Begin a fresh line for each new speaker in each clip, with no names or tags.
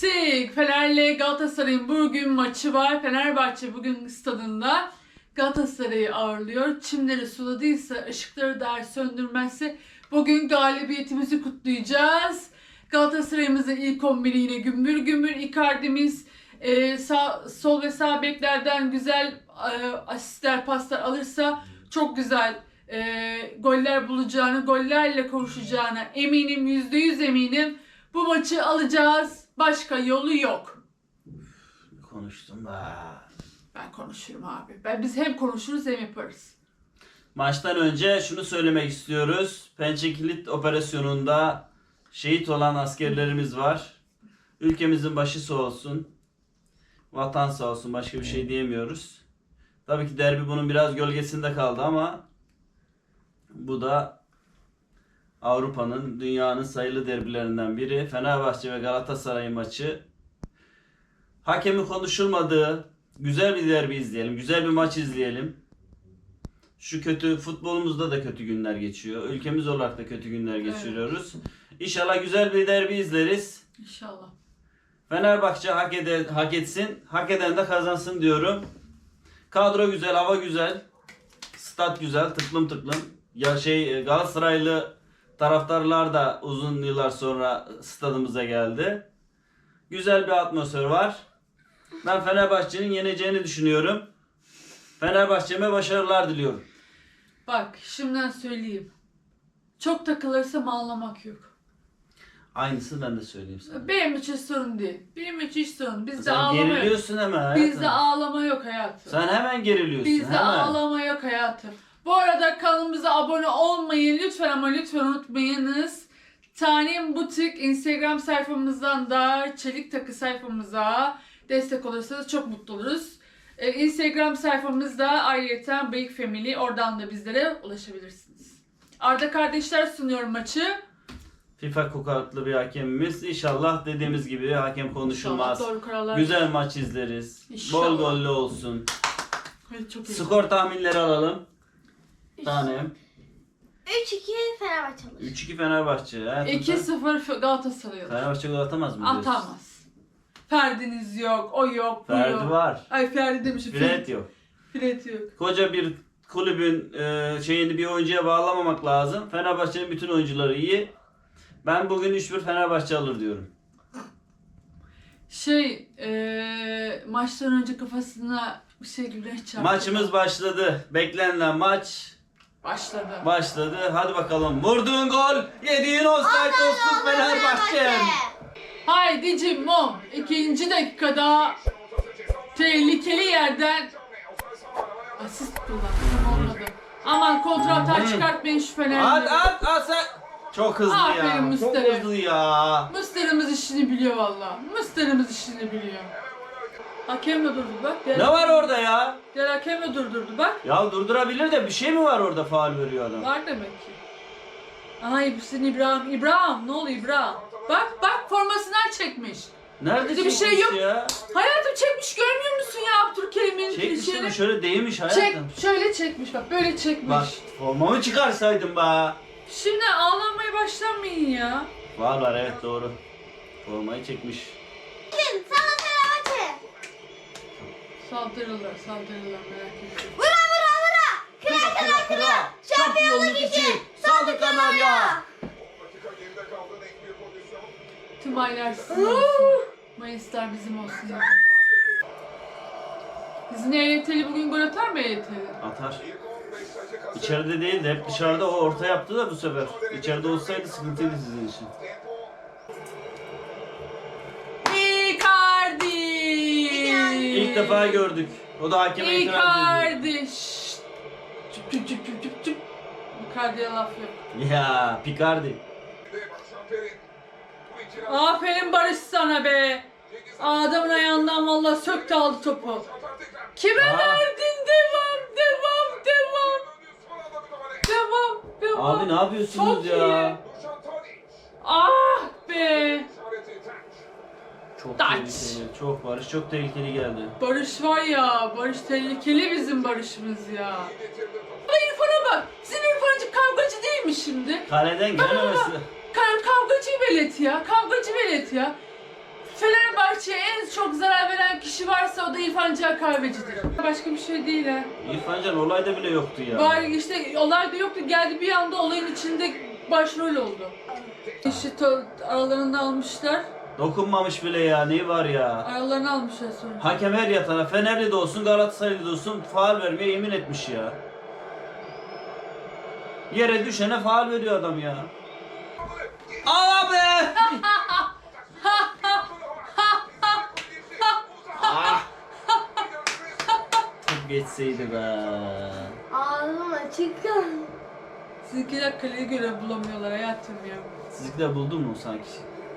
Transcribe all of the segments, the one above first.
Klasik. Fener'le Galatasaray'ın bugün maçı var. Fenerbahçe bugün stadında Galatasaray'ı ağırlıyor. Çimleri suladıysa, ışıkları da söndürmezse bugün galibiyetimizi kutlayacağız. Galatasaray'ımızın ilk 11'i yine gümbür gümbür. Icardi'miz sol ve sağ beklerden güzel asistler, paslar alırsa çok güzel goller bulacağını, gollerle kavuşacağına eminim, %100 eminim. Bu maçı alacağız. Başka yolu yok.
Konuştum da.
Ben konuşurum abi. Biz hem konuşuruz hem yaparız.
Maçtan önce şunu söylemek istiyoruz. Pençe Kilit operasyonunda şehit olan askerlerimiz var. Ülkemizin başı sağ olsun. Vatan sağ olsun. Başka bir şey diyemiyoruz. Tabii ki derbi bunun biraz gölgesinde kaldı ama bu da Avrupa'nın, dünyanın sayılı derbilerinden biri. Fenerbahçe ve Galatasaray maçı. Hakemin konuşulmadığı güzel bir derbi izleyelim. Güzel bir maç izleyelim. Şu kötü futbolumuzda da kötü günler geçiyor. Ülkemiz olarak da kötü günler geçiriyoruz. İnşallah güzel bir derbi izleriz.
İnşallah.
Fenerbahçe hak etsin. Hak eden de kazansın diyorum. Kadro güzel, hava güzel. Stat güzel, tıklım tıklım. Ya Galatasaraylı taraftarlar da uzun yıllar sonra stadımıza geldi. Güzel bir atmosfer var. Ben Fenerbahçe'nin yeneceğini düşünüyorum. Fenerbahçe'me başarılar diliyorum.
Bak şimdiden söyleyeyim. Çok takılırsam ağlamak yok.
Aynısını ben de söyleyeyim sana.
Benim için sorun değil. Benim için hiç sorun. Bizde
Sen
ağlama yok.
geriliyorsun hemen hayatım.
Bizde ağlama yok hayatım.
Sen hemen geriliyorsun.
Bizde
hemen.
ağlama yok hayatım. Bu arada kanalımıza abone olmayı lütfen ama lütfen unutmayınız. Tanem Butik Instagram sayfamızdan da Çelik Takı sayfamıza destek olursanız çok mutlu oluruz. Instagram sayfamızda ayrıca Big Family, oradan da bizlere ulaşabilirsiniz. Arda kardeşler sunuyor maçı.
FIFA kokatlı bir hakemimiz. İnşallah dediğimiz gibi hakem konuşulmaz.
İnşallah doğru kararlar.
Güzel maç izleriz.
İnşallah.
Bol gollü olsun.
Evet, çok iyi.
Skor tahminleri alalım. Tanem.
3-2 Fenerbahçe alır.
3-2 Fenerbahçe.
2-0 Galatasaray alır.
Fenerbahçe gol atamaz mı diyorsun?
Atamaz. Ferdiniz yok, o yok, bu
Ferdi
yok.
var.
Ay Ferdi demişim.
Fred yok.
Fred yok.
Koca bir kulübün şeyini bir oyuncuya bağlamamak lazım. Fenerbahçe'nin bütün oyuncuları iyi. Ben bugün 3-1 Fenerbahçe alır diyorum.
Maçtan önce kafasına bir şey güneş çarptı.
Maçımız başladı. Beklenilen maç
başladı.
Hadi bakalım. Vurduğun gol, yediğin offside olsun Fenerbahçe.
Haydi Cimbom. 2. dakikada tehlikeli yerden asist kullandı. Olmadı. Aman kontratağı çıkartmayın şu Fener'leri.
At sen. Çok hızlı
Aferin
ya.
Mustafa.
Çok hızlı ya.
Mısır'ımız işini biliyor valla. Mısır'ımız işini biliyor. Hakem de durdu bak.
Ne var orada ya?
Diğer hakem de durdurdu bak.
Ya durdurabilir de bir şey mi var orada, faul veriyor adam?
Var demek ki. Ay bu senin İbrahim. İbrahim ne oluyor İbrahim? Bak formasından çekmiş.
Nerede
Bir de bir
çekmiş
şey yok.
ya?
Hayatım çekmiş görmüyor musun ya Abdülkerim'in
Çekmiş
şeyini?
ama şöyle değmiş hayatım.
Şöyle çekmiş bak böyle çekmiş.
Bak formamı çıkarsaydın be.
Şimdi ağlamaya başlamayın ya.
Var evet doğru. Formayı çekmiş.
Kim? Sana Fenerbahçe.
Saldırırlar merak etme.
Vura. Kıra. Şampiyonluk için.
Saldı Kanarya.
Tüm aylar sizin olsun. Mayıslar bizim olsun. Bizim EYT'li bugün gol atar mı EYT'li?
Atar. İçeride değil de hep dışarıda, o orta yaptı da bu sefer. İçeride olsaydı sıkıntıydı sizin için.
Icardi!
İlk defa gördük. O da hakeme itiraz ediyor.
Icardi! Şşt! Cüp. Icardi'ye laf yok.
Ya Picardi.
Aferin Barış sana be! Adamın ayağından vallahi söktü aldı topu. Kime verdin? Devam.
Abi ne yapıyorsunuz
Çok
ya?
iyi. Ah be!
Çok
Taç.
tehlikeli. Çok Barış çok tehlikeli geldi.
Barış var ya, Barış tehlikeli bizim Barış'ımız ya. Ama İrfan'a bak, bizim İrfan'cık kavgacı değil mi şimdi?
Kaleden gelememesi.
Kavgacı velet ya. Fenerbahçe'ye en çok zarar veren kişi varsa o da İrfan Can Kahveci'dir. Başka bir şey değil ha.
İrfan Can olayda bile yoktu ya.
Bari işte olay da yoktu, geldi bir anda olayın içinde başrol oldu. İşte aralarında almışlar.
Dokunmamış bile ya, neyi var ya.
Aralarını almışlar sonra.
Hakem her yatana, Fenerli de olsun, Galatasaraylı da olsun faul vermeye yemin etmiş ya. Yere düşene faul veriyor adam ya. Abi! Ah! Top geçseydi be.
Ağzım açık.
Sizinkiler kaleyi göre bulamıyorlar hayatım ya.
Sizlikler buldun mu sanki?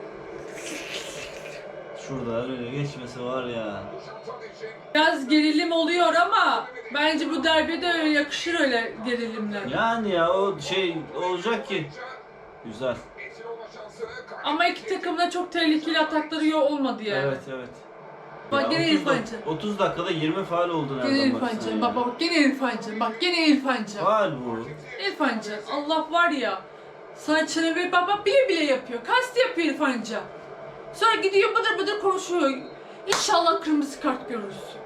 Şurada öyle geçmesi var ya.
Biraz gerilim oluyor ama bence bu derbide öyle yakışır öyle gerilimler.
Yani ya o şey olacak ki. Güzel.
Ama iki takımın da çok tehlikeli atakları yok olmadı yani.
Evet evet.
Bak
Ya
gene
30
İrfan
dak-
Can.
30 dakikada 20 faul oldu
Gene
nereden
İrfan
baksan
Can.
ya.
Bak bak gene İrfan Can. Bak gene İrfan Can.
Faul bu.
İrfan Can. Allah var ya. Sana çene baba bile bile yapıyor. Kast yapıyor İrfan Can. Sonra gidiyor bıdır bıdır konuşuyor. İnşallah kırmızı kart görürsün.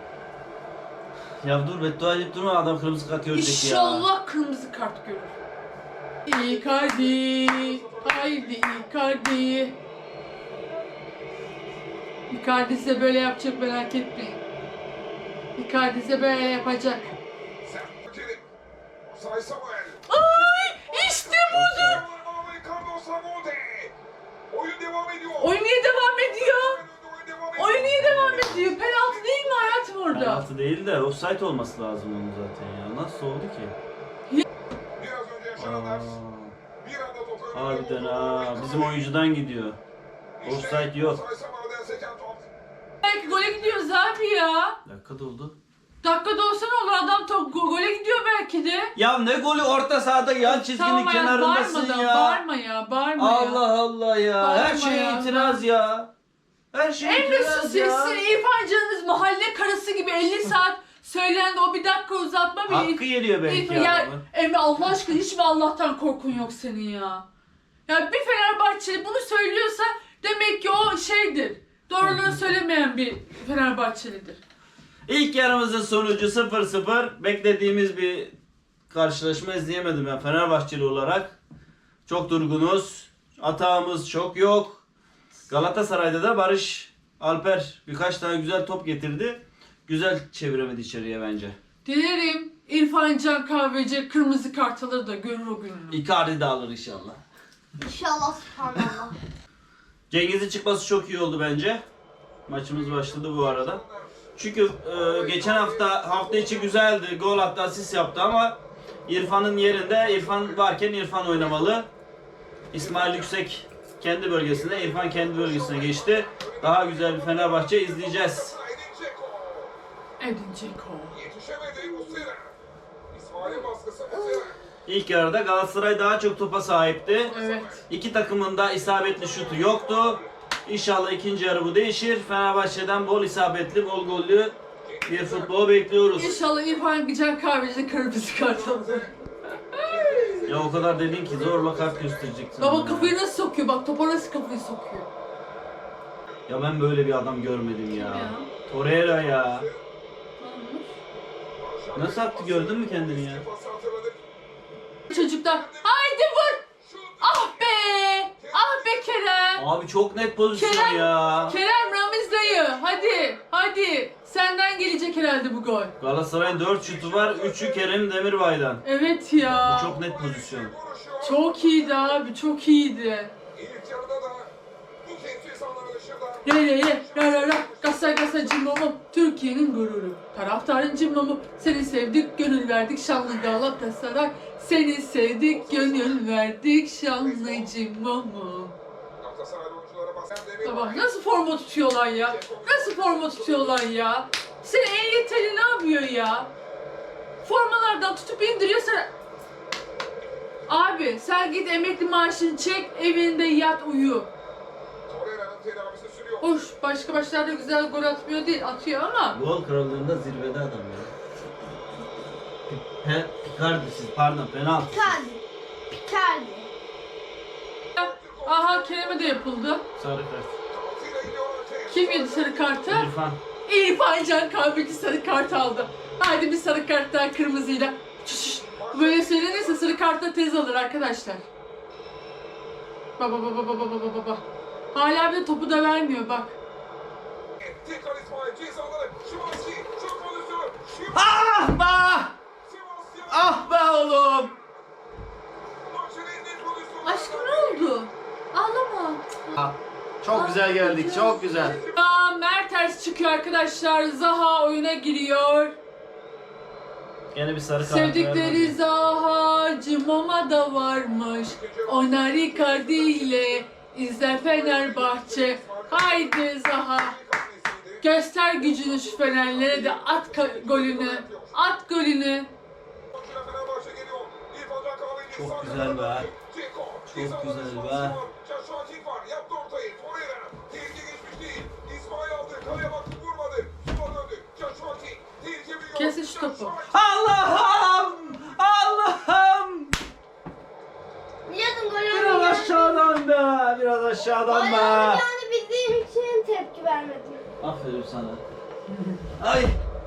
Ya dur beddua edip durma, adam kırmızı kart görecek ya.
İnşallah kırmızı kart görür. Icardi. Haydi Icardi. Icardi size böyle yapacak, merak etmeyin. Icardi size böyle yapacak. Ay işte budur. Oyun niye devam ediyor? Oyun niye devam ediyor? Penaltı değil mi hayatım orada?
Penaltı değil de offside olması lazım onun zaten ya. Nasıl oldu ki? Harbiden ha. Bizim oyuncudan gidiyor. Offside yok.
Belki gole gidiyoruz abi ya.
Dakika doldu.
Dakikada olsa ne olur, adam top gole gidiyor belki de.
Ya ne golü, orta sahada yan çizginin
Tamam hayat,
kenarındasın
bağırma da,
ya.
bağırma ya, bağırma ya.
Allah Allah ya.
Bağırma
Her şeye
ya.
itiraz ya. Her şeye
Emre
itiraz
sus
ya.
sizin İrfan Can'ınız mahalle karısı gibi 50 saat söylendi, o bir dakika uzatma bile.
Hakkı geliyor belki
İrfan, ya,
adamın.
Emre Allah aşkına hiç mi Allah'tan korkun yok senin ya? Ya bir Fenerbahçeli bunu söylüyorsa demek ki o şeydir. Doğruları söylemeyen bir Fenerbahçelidir.
İlk yarımızın sonucu 0-0. Beklediğimiz bir karşılaşma izleyemedim ben Fenerbahçeli olarak. Çok durgunuz. Atağımız çok yok. Galatasaray'da da Barış Alper birkaç tane güzel top getirdi. Güzel çeviremedi içeriye bence.
Dilerim İrfan Can Kahveci kırmızı kart alır da görür o gününü.
Icardi de alır inşallah.
İnşallah subhanallah.
Cengiz'in çıkması çok iyi oldu bence. Maçımız başladı bu arada. Çünkü geçen hafta içi güzeldi. Gol attı, asist yaptı ama İrfan'ın yerinde, İrfan varken İrfan oynamalı. İsmail Yüksek kendi bölgesinde, İrfan kendi bölgesine geçti. Daha güzel bir Fenerbahçe izleyeceğiz.
Edin Dzeko.
İlk yarıda Galatasaray daha çok topa sahipti.
Evet.
İki takımın da isabetli şutu yoktu. İnşallah ikinci yarı bu değişir. Fenerbahçe'den bol isabetli, bol gollü bir futbol bekliyoruz.
İnşallah İrfan Can Kahveci kırmızı kart alır.
Ya o kadar dedin ki zorla kart göstereceksin.
Baba
bana.
kafayı nasıl sokuyor? Bak topa nasıl kafayı sokuyor?
Ya ben böyle bir adam görmedim ya.
Ya.
Torreira ya. Nasıl attı, gördün mü kendini ya?
Çocuklar haydi vur! Ah be! Ah be Kerem!
Abi çok net pozisyon
Kerem,
ya.
Kerem Ramiz dayı hadi hadi senden gelecek herhalde bu gol.
Galatasaray'ın 4 şutu var. 3'ü Kerem Demirbay'dan.
Evet ya.
Bu çok net pozisyon.
Çok iyiydi abi, çok iyiydi. Ra Gasa cimbomum, Türkiye'nin gururu. Taraftarın cimbomum, seni sevdik, gönül verdik şanlı Galatasaray. Seni sevdik, gönül verdik şanlı cimbomum. Bak nasıl forma tutuyorlar ya? Nasıl forma tutuyorlar ya? Seni en yeterli ne yapıyor ya? Formalardan tutup indiriyor sana. Abi sen git emekli maaşını çek, evinde yat uyu. Hoş, başka başlarda güzel gol atmıyor değil, atıyor ama.
Gol krallığında zirvede adam ya. Picardi pardon, penaltı.
Icardi.
Aha Kerem'e de yapıldı.
Sarı kart.
Kim yedi sarı kartı?
İrfan.
İrfan Can Kahveci sarı kart aldı. Haydi bir sarı kart daha kırmızıyla. Şşş. Böyle söylenirse sarı kartta tez alır arkadaşlar. Baba baba baba baba baba. Hala bir de topu da vermiyor bak.
Tekrar İsmail cezaları. Şimanski çok pozisyonu.
Ah be!
Sebastian
Ah be oğlum!
maçın en net pozisyonu.
Aşkım ne oldu? Ağlama.
Ah, çok güzel geldik, çok güzel.
Mertens çıkıyor arkadaşlar. Zaha oyuna giriyor.
Gene bir sarı kart
Sevdikleri
vermedi.
Zaha Cimoma da varmış. Oynar Icardi ile izler Fenerbahçe. Haydi Zaha. Göster gücünü şu Fenerlere de at golünü. At golünü.
Çok güzel be. Çok güzel be.
Yaptı ortayı. Torreira. Tehlike geçmiş değil. İsmail aldı. Kaleye baktı. Vurmadı. Sola döndü. Caşuaki. Tehlike biliyor.
Kesin şu topu.
Allah'ım! Allah'ım!
Biliyordum gol
Biraz
olmayacağını.
aşağıdan be! Biraz aşağıdan
Gol
be!
olmayacağını bildiğim için tepki vermedim.
Aferin sana. Ay!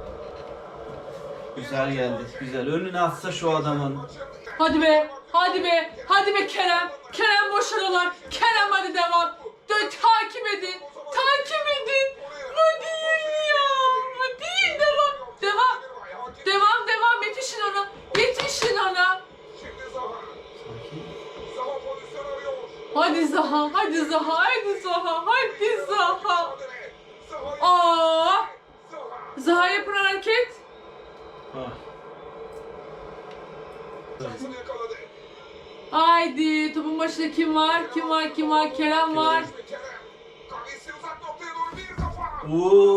Güzel geldi, güzel. Önüne atsa şu adamın.
Hadi be. Hadi be. Hadi be Kerem. Kerem boşaralar. Kerem hadi devam. Takip edin. Takip edin. Bu değil ya. Bu değil. Devam. Devam. Devam devam. Yetişin ona. Yetişin ona.
Şimdi Zaha. Zaha pozisyon arıyor.
Hadi Zaha. Hadi Zaha. Hadi Zaha. Hadi Zaha.
Zaha.
Aa.
Zaha.
Zaha yapın hareket.
Ah.
Şansını yakaladı.
Haydi. Topun başında kim var? Kim var? Kim var? Kerem var.
Kerem. Kalesi uzak noktaya doğru bir kafa.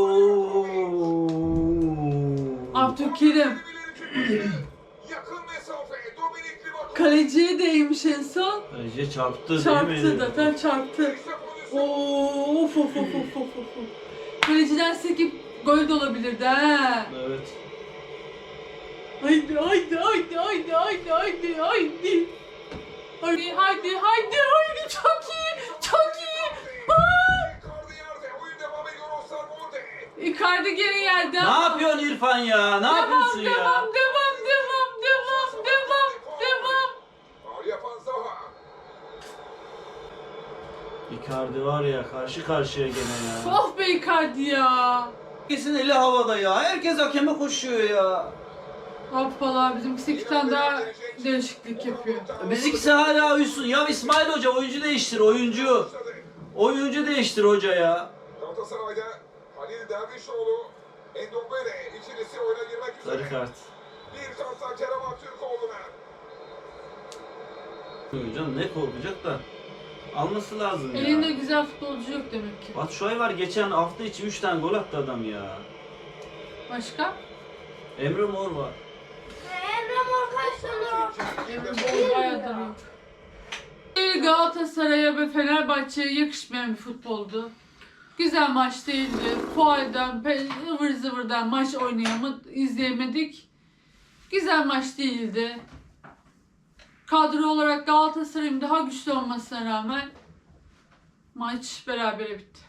Oo.
Abdülkerim.
Yakın mesafe. Dominik Livakovic.
Kaleciye değmiş en son.
Bence çarptı değil
Çarptı
mi?
zaten çarptı.
İşte pozisyon.
Of of of of of of. Kaleciden sekip gol de olabilirdi ha.
Evet.
Haydi haydi haydi haydi haydi haydi haydi. Haydi haydi haydi haydi çok iyi çok iyi. Aa!
Icardi yerde. Oyun devam ediyor. Osterwolde.
Icardi geri yerde.
Ne yapıyorsun İrfan ya? Ne
Devam
yapıyorsun ya?
devam devam devam devam devam devam.
Faul yapan Zaha.
Icardi var ya karşı karşıya gene ya.
Of be Icardi ya.
Herkesin eli havada ya. Herkes hakeme koşuyor ya.
Hoppala bizimkisi iki tane daha değişiklik yapıyor.
Bizimkisi hala uyusun. Ya İsmail Hoca oyuncu değiştir oyuncu. Oyuncu değiştir hoca ya.
Galatasaray'da Halil Dervişoğlu, Endombele ikilisi oyuna girmek üzere.
Sarı kart.
Bir karttan Kerem Aktürkoğlu'na.
Hocam ne korkacak da alması lazım ya.
Elinde güzel futbolcu yok demek ki.
Batshuayi var geçen hafta içi 3 tane gol attı adam ya.
Başka?
Emre Mor var.
Emre Mor kaç tane?
Emre Bol bayağıdır yok. Galatasaray'a ve Fenerbahçe'ye yakışmayan bir futboldu. Güzel maç değildi. Fuardan, ıvır zıvırdan maç izleyemedik. Güzel maç değildi. Kadro olarak Galatasaray'ın daha güçlü olmasına rağmen maç berabere bitti.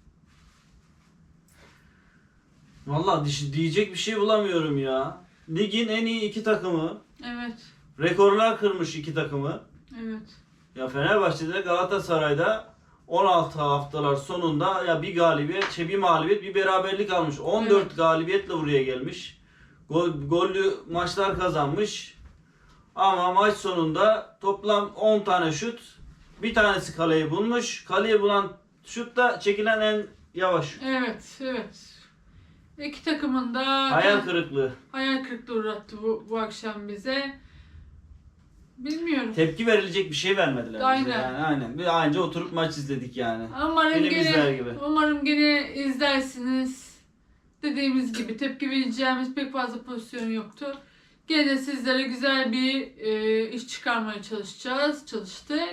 Vallahi diyecek bir şey bulamıyorum ya. Ligin en iyi iki takımı.
Evet,
Rekorlar kırmış iki takımı.
evet.
Ya Fenerbahçe'de Galatasaray'da 16 haftalar sonunda ya bir galibiyet, bir mağlubiyet, bir beraberlik almış. 14
Evet.
galibiyetle buraya gelmiş. Gollü maçlar kazanmış. Ama maç sonunda toplam 10 tane şut. Bir tanesi kaleyi bulmuş. Kaleyi bulan şut da çekilen en yavaş şut.
Evet, evet. İki takımın da
Hayal kırıklığı.
hayal kırıklığı uğrattı bu akşam bize. Bilmiyorum.
Tepki verilecek bir şey vermediler bize
Aynen.
yani. Aynen. Bir anca oturup maç izledik yani.
Umarım
Film izler gibi.
umarım gene izlersiniz. Dediğimiz gibi tepki vereceğimiz pek fazla pozisyon yoktu. Gene sizlere güzel bir iş çıkarmaya çalıştık.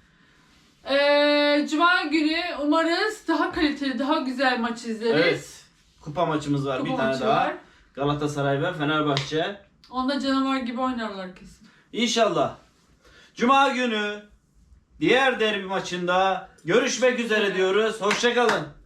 Cuma günü umarız daha kaliteli, daha güzel maç izleriz.
Evet. Kupa maçımız var
Kupa
bir tane
maçı
daha.
var.
Galatasaray ve Fenerbahçe.
Onda canavar gibi oynarlar kesin.
İnşallah. Cuma günü diğer derbi maçında görüşmek üzere diyoruz. Hoşça kalın.